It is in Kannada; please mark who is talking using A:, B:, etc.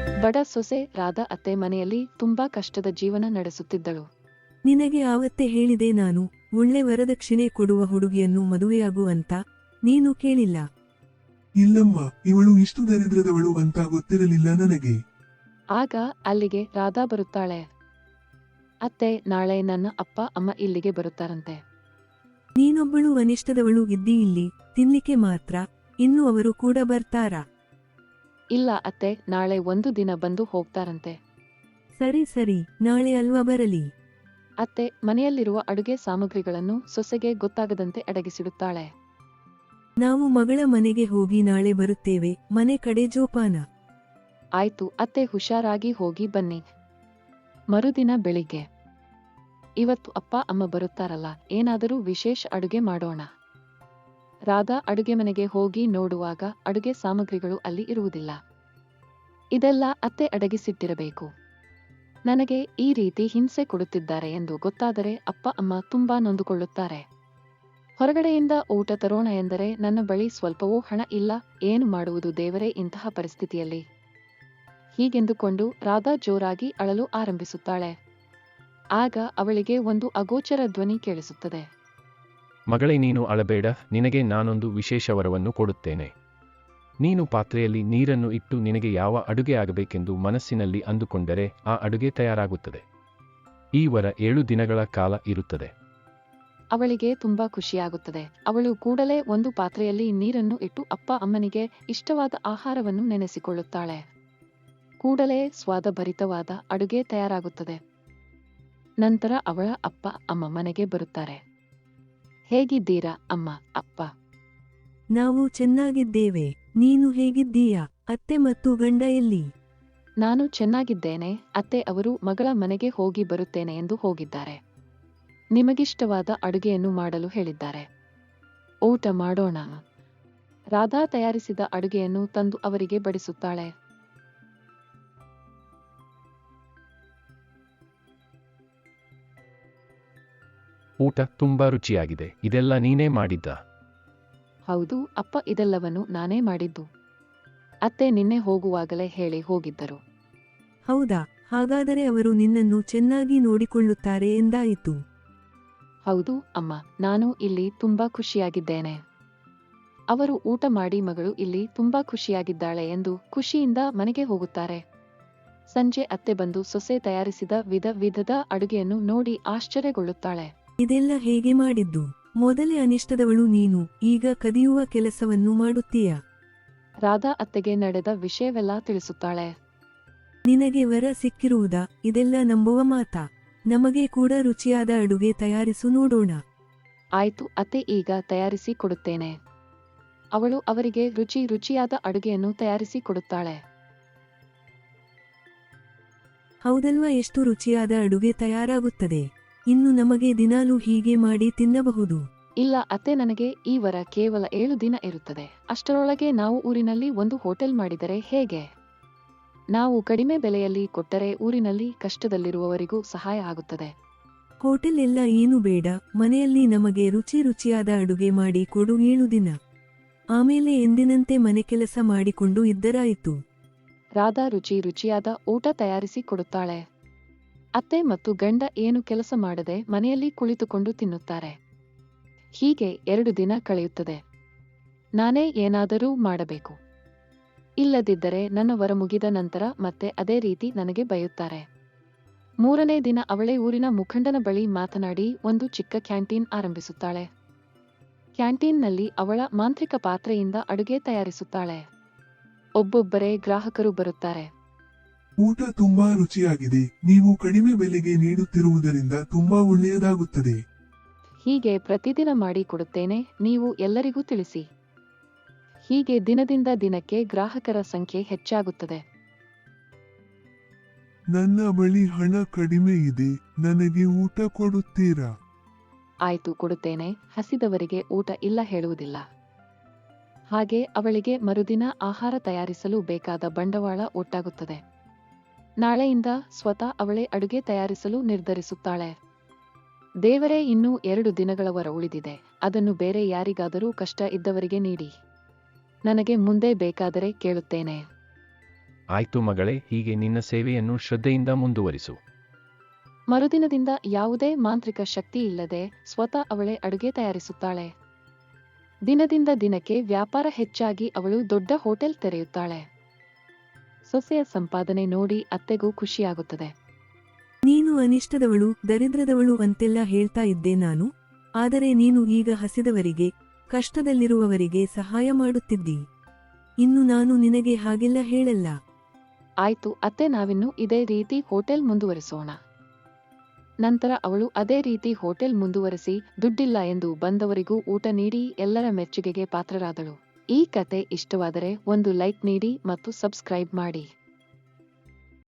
A: ಬಡ ಸೊಸೆ ರಾಧಾ ಅತ್ತೆ ಮನೆಯಲ್ಲಿ ತುಂಬಾ ಕಷ್ಟದ ಜೀವನ ನಡೆಸುತ್ತಿದ್ದಳು.
B: ನಿನಗೆ ಆವತ್ತೇ ಹೇಳಿದೆ ನಾನು, ಒಳ್ಳೆ ವರದಕ್ಷಿಣೆ ಕೊಡುವ ಹುಡುಗಿಯನ್ನು ಮದುವೆಯಾಗು ಅಂತ, ನೀನು ಕೇಳಿಲ್ಲ.
C: ಇಲ್ಲಮ್ಮ, ಇವಳು ಇಷ್ಟು ದರಿದ್ರದವಳು ಅಂತ ಗೊತ್ತಿರಲಿಲ್ಲ ನನಗೆ.
A: ಆಗ ಅಲ್ಲಿಗೆ ರಾಧಾ ಬರುತ್ತಾಳೆ. ಅತ್ತೆ, ನಾಳೆ ನನ್ನ ಅಪ್ಪ ಅಮ್ಮ ಇಲ್ಲಿಗೆ ಬರುತ್ತಾರಂತೆ.
B: ನೀನೊಬ್ಬಳು ಅನಿಷ್ಟದವಳು ಇದ್ದೀ ಇಲ್ಲಿ, ತಿನ್ಲಿಕ್ಕೆ ಮಾತ್ರ, ಇನ್ನು ಅವರು ಕೂಡ ಬರ್ತಾರಾ?
A: ಇಲ್ಲ ಅತ್ತೆ, ನಾಳೆ ಒಂದು ದಿನ ಬಂದು ಹೋಗ್ತಾರಂತೆ.
B: ಸರಿ ಸರಿ, ನಾಳೆ ಅಲ್ವಾ ಬರಲಿ.
A: ಅತ್ತೆ ಮನೆಯಲ್ಲಿರುವ ಅಡುಗೆ ಸಾಮಗ್ರಿಗಳನ್ನು ಸೊಸೆಗೆ ಗೊತ್ತಾಗದಂತೆ ಅಡಗಿಸಿಡುತ್ತಾಳೆ.
B: ನಾವು ಮಗಳ ಮನೆಗೆ ಹೋಗಿ ನಾಳೆ ಬರುತ್ತೇವೆ, ಮನೆ ಕಡೆ ಜೋಪಾನ.
A: ಆಯ್ತು ಅತ್ತೆ, ಹುಷಾರಾಗಿ ಹೋಗಿ ಬನ್ನಿ. ಮರುದಿನ ಬೆಳಿಗ್ಗೆ. ಇವತ್ತು ಅಪ್ಪ ಅಮ್ಮ ಬರುತ್ತಾರಲ್ಲ, ಏನಾದರೂ ವಿಶೇಷ ಅಡುಗೆ ಮಾಡೋಣ. ರಾಧಾ ಅಡುಗೆ ಮನೆಗೆ ಹೋಗಿ ನೋಡುವಾಗ ಅಡುಗೆ ಸಾಮಗ್ರಿಗಳು ಅಲ್ಲಿ ಇರುವುದಿಲ್ಲ. ಇದೆಲ್ಲ ಅತ್ತೆ ಅಡಗಿಸಿಟ್ಟಿರಬೇಕು. ನನಗೆ ಈ ರೀತಿ ಹಿಂಸೆ ಕೊಡುತ್ತಿದ್ದಾರೆ ಎಂದು ಗೊತ್ತಾದರೆ ಅಪ್ಪ ಅಮ್ಮ ತುಂಬಾ ನೊಂದುಕೊಳ್ಳುತ್ತಾರೆ. ಹೊರಗಡೆಯಿಂದ ಊಟ ತರೋಣ ಎಂದರೆ ನನ್ನ ಬಳಿ ಸ್ವಲ್ಪವೂ ಹಣ ಇಲ್ಲ, ಏನು ಮಾಡುವುದು ದೇವರೇ ಇಂತಹ ಪರಿಸ್ಥಿತಿಯಲ್ಲಿ? ಹೀಗೆಂದುಕೊಂಡು ರಾಧಾ ಜೋರಾಗಿ ಅಳಲು ಆರಂಭಿಸುತ್ತಾಳೆ. ಆಗ ಅವಳಿಗೆ ಒಂದು ಅಗೋಚರ ಧ್ವನಿ ಕೇಳಿಸುತ್ತದೆ.
D: ಮಗಳೇ, ನೀನು ಅಳಬೇಡ, ನಿನಗೆ ನಾನೊಂದು ವಿಶೇಷ ವರವನ್ನು ಕೊಡುತ್ತೇನೆ. ನೀನು ಪಾತ್ರೆಯಲ್ಲಿ ನೀರನ್ನು ಇಟ್ಟು ನಿನಗೆ ಯಾವ ಅಡುಗೆ ಆಗಬೇಕೆಂದು ಮನಸ್ಸಿನಲ್ಲಿ ಅಂದುಕೊಂಡರೆ ಆ ಅಡುಗೆ ತಯಾರಾಗುತ್ತದೆ. ಈ ವರ 7 ದಿನಗಳ ಕಾಲ ಇರುತ್ತದೆ.
A: ಅವಳಿಗೆ ತುಂಬಾ ಖುಷಿಯಾಗುತ್ತದೆ. ಅವಳು ಕೂಡಲೇ ಒಂದು ಪಾತ್ರೆಯಲ್ಲಿ ನೀರನ್ನು ಇಟ್ಟು ಅಪ್ಪ ಅಮ್ಮನಿಗೆ ಇಷ್ಟವಾದ ಆಹಾರವನ್ನು ನೆನೆಸಿಕೊಳ್ಳುತ್ತಾಳೆ. ಕೂಡಲೇ ಸ್ವಾದಭರಿತವಾದ ಅಡುಗೆ ತಯಾರಾಗುತ್ತದೆ. ನಂತರ ಅವಳ ಅಪ್ಪ ಅಮ್ಮ ಮನೆಗೆ ಬರುತ್ತಾರೆ. ಹೇಗಿದ್ದೀರಾ ಅಮ್ಮ, ಅಪ್ಪ?
B: ನಾವು ಚೆನ್ನಾಗಿದ್ದೇವೆ, ನೀನು ಹೇಗಿದ್ದೀಯಾ? ಅತ್ತೆ ಮತ್ತು ಗಂಡ ಎಲ್ಲಿ?
A: ನಾನು ಚೆನ್ನಾಗಿದ್ದೇನೆ ಅತ್ತೆ, ಅವರು ಮಗಳ ಮನೆಗೆ ಹೋಗಿ ಬರುತ್ತೇನೆ ಎಂದು ಹೋಗಿದ್ದಾರೆ. ನಿಮಗಿಷ್ಟವಾದ ಅಡುಗೆಯನ್ನು ಮಾಡಲು ಹೇಳಿದ್ದಾರೆ. ಊಟ ಮಾಡೋಣ. ರಾಧಾ ತಯಾರಿಸಿದ ಅಡುಗೆಯನ್ನು ತಂದು ಅವರಿಗೆ ಬಡಿಸುತ್ತಾಳೆ.
D: ಊಟ ತುಂಬಾ ರುಚಿಯಾಗಿದೆ. ಇದೆಲ್ಲ ನೀನೇ ಮಾಡಿದ್ದ?
A: ಹೌದು ಅಪ್ಪ, ಇದೆಲ್ಲವನ್ನು ನಾನೇ ಮಾಡಿದ್ದು. ಅತ್ತೆ ನಿನ್ನೆ ಹೋಗುವಾಗಲೇ ಹೇಳಿ ಹೋಗಿದ್ದರು.
B: ಹೌದಾ? ಹಾಗಾದರೆ ಅವರು ನಿನ್ನನ್ನು ಚೆನ್ನಾಗಿ ನೋಡಿಕೊಳ್ಳುತ್ತಾರೆ ಎಂದಾಯಿತು.
A: ಹೌದು ಅಮ್ಮ, ನಾನು ಇಲ್ಲಿ ತುಂಬಾ ಖುಷಿಯಾಗಿದ್ದೇನೆ. ಅವರು ಊಟ ಮಾಡಿ ಮಗಳು ಇಲ್ಲಿ ತುಂಬಾ ಖುಷಿಯಾಗಿದ್ದಾಳೆ ಎಂದು ಖುಷಿಯಿಂದ ಮನೆಗೆ ಹೋಗುತ್ತಾರೆ. ಸಂಜೆ ಅತ್ತೆ ಬಂದು ಸೊಸೆ ತಯಾರಿಸಿದ ವಿಧ ವಿಧದ ಅಡುಗೆಯನ್ನು ನೋಡಿ ಆಶ್ಚರ್ಯಗೊಳ್ಳುತ್ತಾಳೆ.
B: ಇದೆಲ್ಲ ಹೇಗೆ ಮಾಡಿದ್ದು? ಮೊದಲೇ ಅನಿಷ್ಟದವಳು ನೀನು, ಈಗ ಕದಿಯುವ ಕೆಲಸವನ್ನು ಮಾಡುತ್ತೀಯಾ?
A: ರಾಧಾ ಅತ್ತೆಗೆ ನಡೆದ ವಿಷಯವೆಲ್ಲ ತಿಳಿಸುತ್ತಾಳೆ.
B: ನಿನಗೆ ವರ ಸಿಕ್ಕಿರುವುದಾ? ಇದೆಲ್ಲ ನಂಬುವ ಮಾತಾ? ನಮಗೆ ಕೂಡ ರುಚಿಯಾದ ಅಡುಗೆ ತಯಾರಿಸು ನೋಡೋಣ.
A: ಆಯ್ತು ಅತ್ತೆ, ಈಗ ತಯಾರಿಸಿ ಕೊಡುತ್ತೇನೆ. ಅವಳು ಅವರಿಗೆ ರುಚಿಯಾದ ಅಡುಗೆಯನ್ನು ತಯಾರಿಸಿ ಕೊಡುತ್ತಾಳೆ.
B: ಹೌದಲ್ವಾ? ಎಷ್ಟು ರುಚಿಯಾದ ಅಡುಗೆ ತಯಾರಾಗುತ್ತದೆ. ಇನ್ನು ನಮಗೆ ದಿನಾಲೂ ಹೀಗೆ ಮಾಡಿ ತಿನ್ನಬಹುದು.
A: ಇಲ್ಲ ಅತ್ತೆ, ನನಗೆ ಈ ವರ ಕೇವಲ 7 ದಿನ ಇರುತ್ತದೆ. ಅಷ್ಟರೊಳಗೆ ನಾವು ಊರಿನಲ್ಲಿ ಒಂದು ಹೋಟೆಲ್ ಮಾಡಿದರೆ ಹೇಗೆ? ನಾವು ಕಡಿಮೆ ಬೆಲೆಯಲ್ಲಿ ಕೊಟ್ಟರೆ ಊರಿನಲ್ಲಿ ಕಷ್ಟದಲ್ಲಿರುವವರಿಗೂ ಸಹಾಯ ಆಗುತ್ತದೆ.
B: ಹೋಟೆಲ್ ಎಲ್ಲ ಏನು ಬೇಡ, ಮನೆಯಲ್ಲಿ ನಮಗೆ ರುಚಿಯಾದ ಅಡುಗೆ ಮಾಡಿ ಕೊಡು 7 ದಿನ. ಆಮೇಲೆ ಎಂದಿನಂತೆ ಮನೆ ಕೆಲಸ ಮಾಡಿಕೊಂಡು ಇದ್ದರಾಯಿತು.
A: ರಾಧಾ ರುಚಿಯಾದ ಊಟ ತಯಾರಿಸಿ ಕೊಡುತ್ತಾಳೆ. ಅತ್ತೆ ಮತ್ತು ಗಂಡ ಏನು ಕೆಲಸ ಮಾಡದೆ ಮನೆಯಲ್ಲಿ ಕುಳಿತುಕೊಂಡು ತಿನ್ನುತ್ತಾರೆ. ಹೀಗೆ 2 ದಿನ ಕಳೆಯುತ್ತದೆ. ನಾನೇ ಏನಾದರೂ ಮಾಡಬೇಕು, ಇಲ್ಲದಿದ್ದರೆ ನನ್ನ ವರ ಮುಗಿದ ನಂತರ ಮತ್ತೆ ಅದೇ ರೀತಿ ನನಗೆ ಬೈಯುತ್ತಾರೆ. 3ನೇ ದಿನ ಅವಳೇ ಊರಿನ ಮುಖಂಡನ ಬಳಿ ಮಾತನಾಡಿ ಒಂದು ಚಿಕ್ಕ ಕ್ಯಾಂಟೀನ್ ಆರಂಭಿಸುತ್ತಾಳೆ. ಕ್ಯಾಂಟೀನ್ನಲ್ಲಿ ಅವಳ ಮಾಂತ್ರಿಕ ಪಾತ್ರೆಯಿಂದ ಅಡುಗೆ ತಯಾರಿಸುತ್ತಾಳೆ. ಒಬ್ಬೊಬ್ಬರೇ ಗ್ರಾಹಕರು ಬರುತ್ತಾರೆ.
C: ಊಟ ತುಂಬಾ ರುಚಿಯಾಗಿದೆ, ನೀವು ಕಡಿಮೆ ಬೆಲೆಗೆ ನೀಡುತ್ತಿರುವುದರಿಂದ ತುಂಬಾ ಒಳ್ಳೆಯದಾಗುತ್ತದೆ.
A: ಹೀಗೆ ಪ್ರತಿದಿನ ಮಾಡಿ ಕೊಡುತ್ತೇನೆ, ನೀವು ಎಲ್ಲರಿಗೂ ತಿಳಿಸಿ. ಹೀಗೆ ದಿನದಿಂದ ದಿನಕ್ಕೆ ಗ್ರಾಹಕರ ಸಂಖ್ಯೆ ಹೆಚ್ಚಾಗುತ್ತದೆ.
C: ನನ್ನ ಬಳಿ ಹಣ ಕಡಿಮೆ ಇದೆ, ನನಗೆ ಊಟ ಕೊಡುತ್ತೀರಾ?
A: ಆಯ್ತು, ಕೊಡುತ್ತೇನೆ. ಹಸಿದವರಿಗೆ ಊಟ ಇಲ್ಲ ಹೇಳುವುದಿಲ್ಲ. ಹಾಗೆ ಅವಳಿಗೆ ಮರುದಿನ ಆಹಾರ ತಯಾರಿಸಲು ಬೇಕಾದ ಬಂಡವಾಳ ಒಟ್ಟಾಗುತ್ತದೆ. ನಾಳೆಯಿಂದ ಸ್ವತಃ ಅವಳೇ ಅಡುಗೆ ತಯಾರಿಸಲು ನಿರ್ಧರಿಸುತ್ತಾಳೆ. ದೇವರೇ, ಇನ್ನೂ 2 ದಿನಗಳವರ ಉಳಿದಿದೆ, ಅದನ್ನು ಬೇರೆ ಯಾರಿಗಾದರೂ ಕಷ್ಟ ಇದ್ದವರಿಗೆ ನೀಡಿ. ನನಗೆ ಮುಂದೆ ಬೇಕಾದರೆ ಕೇಳುತ್ತೇನೆ.
D: ಆಯ್ತು ಮಗಳೇ, ಹೀಗೆ ನಿನ್ನ ಸೇವೆಯನ್ನು ಶ್ರದ್ಧೆಯಿಂದ ಮುಂದುವರಿಸು.
A: ಮರುದಿನದಿಂದ ಯಾವುದೇ ಮಾಂತ್ರಿಕ ಶಕ್ತಿ ಇಲ್ಲದೆ ಸ್ವತಃ ಅವಳೇ ಅಡುಗೆ ತಯಾರಿಸುತ್ತಾಳೆ. ದಿನದಿಂದ ದಿನಕ್ಕೆ ವ್ಯಾಪಾರ ಹೆಚ್ಚಾಗಿ ಅವಳು ದೊಡ್ಡ ಹೋಟೆಲ್ ತೆರೆಯುತ್ತಾಳೆ. ಸೊಸೆಯ ಸಂಪಾದನೆ ನೋಡಿ ಅತ್ತೆಗೂ ಖುಷಿಯಾಗುತ್ತದೆ.
B: ನೀನು ಅನಿಷ್ಟದವಳು, ದರಿದ್ರದವಳು ಅಂತೆಲ್ಲ ಹೇಳ್ತಾ ಇದ್ದೆ ನಾನು, ಆದರೆ ನೀನು ಈಗ ಹಸಿದವರಿಗೆ, ಕಷ್ಟದಲ್ಲಿರುವವರಿಗೆ ಸಹಾಯ ಮಾಡುತ್ತಿದ್ದಿ. ಇನ್ನು ನಾನು ನಿನಗೆ ಹಾಗೆಲ್ಲ ಹೇಳಲ್ಲ.
A: ಆಯ್ತು ಅತ್ತೆ, ನಾವಿನ್ನು ಇದೇ ರೀತಿ ಹೋಟೆಲ್ ಮುಂದುವರಿಸೋಣ. ನಂತರ ಅವಳು ಅದೇ ರೀತಿ ಹೋಟೆಲ್ ಮುಂದುವರಿಸಿ ದುಡ್ಡಿಲ್ಲ ಎಂದು ಬಂದವರಿಗೂ ಊಟ ನೀಡಿ ಎಲ್ಲರ ಮೆಚ್ಚುಗೆಗೆ ಪಾತ್ರರಾದಳು. ಈ ಕತೆ ಇಷ್ಟವಾದರೆ ಒಂದು ಲೈಕ್ ನೀಡಿ ಮತ್ತು ಸಬ್ಸ್ಕ್ರೈಬ್ ಮಾಡಿ.